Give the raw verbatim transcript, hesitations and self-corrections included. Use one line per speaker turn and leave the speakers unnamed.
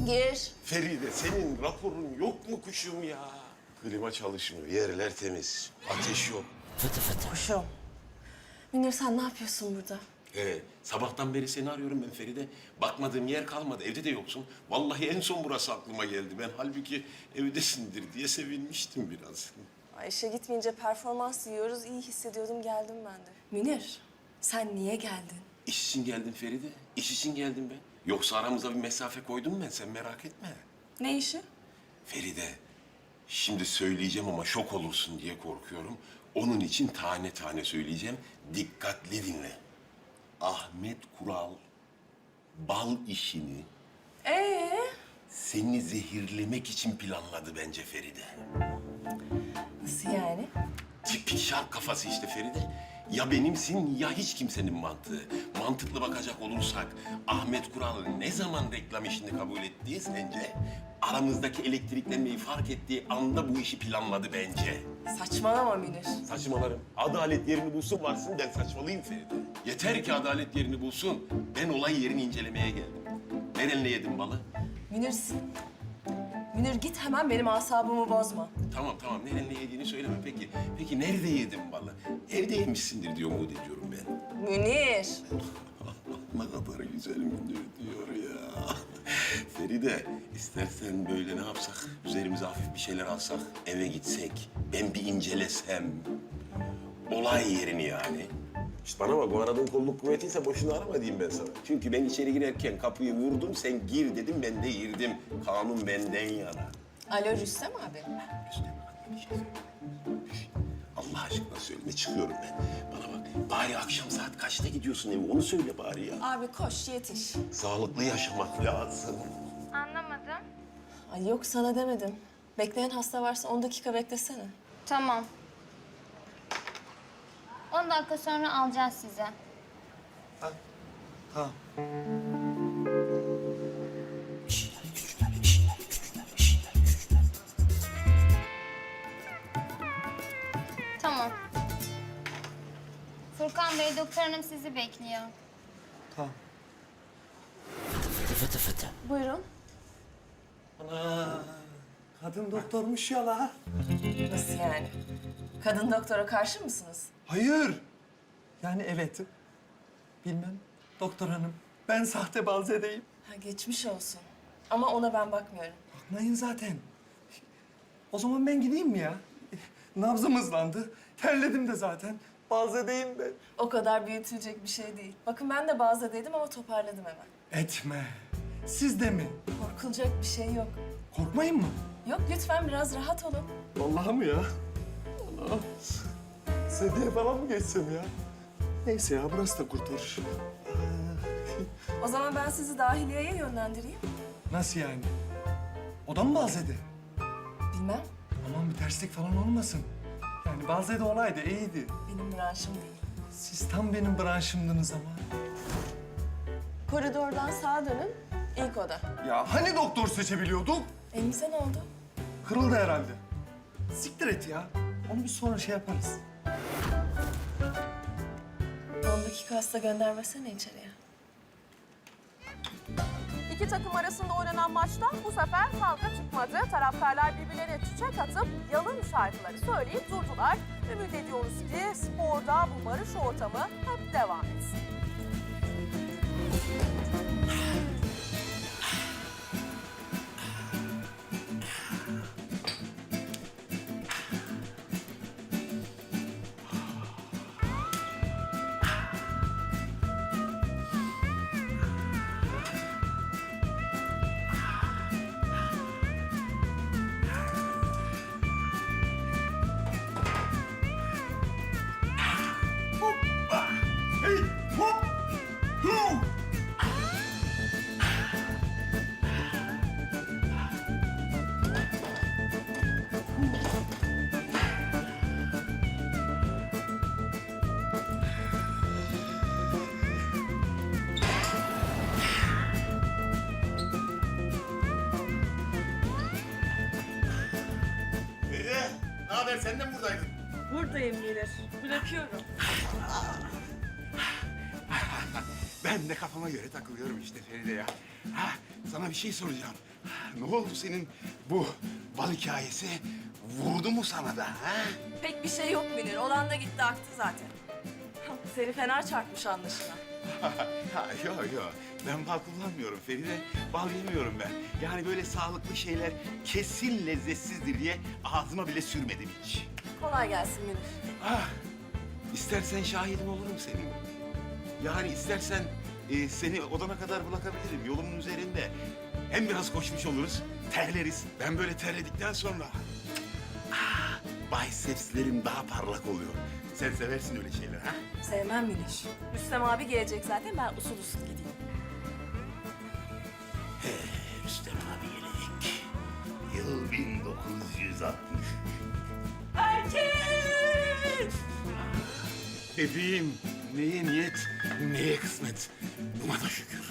Gir.
Feride senin raporun yok mu kuşum ya? Klima çalışmıyor, yerler temiz, ateş yok.
Fıtı fıtı.
Kuşum. Münir sen ne yapıyorsun burada?
Ee, sabahtan beri seni arıyorum ben Feride. Bakmadığım yer kalmadı, evde de yoksun. Vallahi en son burası aklıma geldi. Ben halbuki evdesindir diye sevinmiştim biraz.
Ay, işe gitmeyince performans yiyoruz. İyi hissediyordum geldim ben de. Münir sen niye geldin?
İş için geldim Feride, iş için geldim ben. Yoksa aramıza bir mesafe koydum ben, sen merak etme.
Ne işi?
Feride, şimdi söyleyeceğim ama şok olursun diye korkuyorum. Onun için tane tane söyleyeceğim, dikkatli dinle. Ahmet Kural bal işini
Ee?
seni zehirlemek için planladı bence Feride.
Nasıl yani?
Tipik şark kafası işte Feride. Ya benimsin ya hiç kimsenin mantığı. Mantıklı bakacak olursak Ahmet Kural ne zaman reklam işini kabul etti sence? Aramızdaki elektriklenmeyi fark ettiği anda bu işi planladı bence.
Saçmalama Münir.
Saçmalarım. Adalet yerini bulsun varsın ben saçmalıyım Feride. Yeter ki adalet yerini bulsun. Ben olay yerini incelemeye geldim. Nerenle yedim balı?
Münir, Münir git hemen benim asabımı bozma.
Tamam tamam nerenle yediğini söyleme peki. Peki nerede yedin balı? Evde yemişsindir diye umut ediyorum ben.
Münir.
Ne kadar güzel müdür diyor ya. Feride, istersen böyle ne yapsak? Üzerimize hafif bir şeyler alsak, eve gitsek, ben bir incelesem. Olay yerini yani. İşte bana bak, bu aradığın kolluk kuvvetiyse boşuna arama diyeyim ben sana. Çünkü ben içeri girerken kapıyı vurdum, sen gir dedim, ben de girdim. Kanun benden yana.
Alo Rüstem abi.
Üstüne bak, bir şey söyle. Allah aşkına söyle, ne çıkıyorum ben? Bana bak, bari akşam saat kaçta gidiyorsun eve, onu söyle bari ya.
Abi koş yetiş.
Sağlıklı yaşamak lazım.
Anlamadım.
Ay yok sana demedim. Bekleyen hasta varsa on dakika beklesene.
Tamam. On dakika sonra alacağız sizi.
Tamam.
Tamam. Furkan Bey, doktor hanım sizi bekliyor.
Tamam. Fıtı fıtı fıtı.
Buyurun.
Ana, kadın doktormuş ya la.
Nasıl yani? Kadın doktora karşı mısınız?
Hayır. Yani evet. Bilmem. Doktor hanım, ben sahte balzedeyim.
Ha, geçmiş olsun. Ama ona ben bakmıyorum.
Bakmayın zaten. O zaman ben gideyim mi ya? Nabzım hızlandı. Terledim de zaten. Balzedeyim ben.
O kadar büyütülecek bir şey değil. Bakın ben de bazıdaydım ama toparladım hemen.
Etme. Siz de mi?
Korkulacak bir şey yok.
Korkmayın mı?
Yok lütfen biraz rahat olun.
Vallahi mi ya? Allah. Sedye falan mı geçsem ya? Neyse ya, burası da kurtarır.
O zaman ben sizi dahiliyeye yönlendireyim.
Nasıl yani? O da mı balzedi?
Bilmem.
Aman bir terslik falan olmasın. Yani balzedi olaydı, iyiydi.
Benim branşım değil.
Siz tam benim branşımdınız ama.
Koridordan sağa dönün. İlk oda.
Ya hani doktor seçebiliyorduk?
Elinize ne oldu?
Kırıldı herhalde. Siktir et ya. Onu bir sonra şey yaparız.
on dakika hasta göndermesene içeriye.
İki takım arasında oynanan maçta bu sefer kavga çıkmadı. Taraftarlar birbirlerine çiçek atıp yalın şarkıları söyleyip durdular. Ümit ediyoruz ki sporda bu barış ortamı hep devam etsin.
Hey, hop! Hu!
Feride, ne haber? Sen de mi buradaydın?
Buradayım gelir. Bırakıyorum.
Ben de kafama göre takılıyorum işte Feride ya. Ha, sana bir şey soracağım. Ne oldu senin bu bal hikayesi? Vurdu mu sana da ha?
Pek bir şey yok Münir. Olan da gitti aktı zaten. Seni fena çarpmış anlaşılan.
Ha, yok yok. Ben bal kullanmıyorum Feride. Bal yemiyorum ben. Yani böyle sağlıklı şeyler kesin lezzetsizdir diye ağzıma bile sürmedim hiç.
Kolay gelsin Münir.
Ah, istersen şahidin olurum senin. Yani istersen e, seni odana kadar bırakabilirim yolumun üzerinde. Hem biraz koşmuş oluruz, terleriz. Ben böyle terledikten sonra ah, bicepslerim daha parlak oluyor. Sen seversin öyle şeyler ha?
Sevmem Münir. Rüstem abi gelecek zaten. Ben usul usul gideyim.
Rüstem abi gelecek. Yıl bin dokuz yüz altmış.
Erkek!
Bebeğim, neye niyet, neye kısmet. Buna da şükür.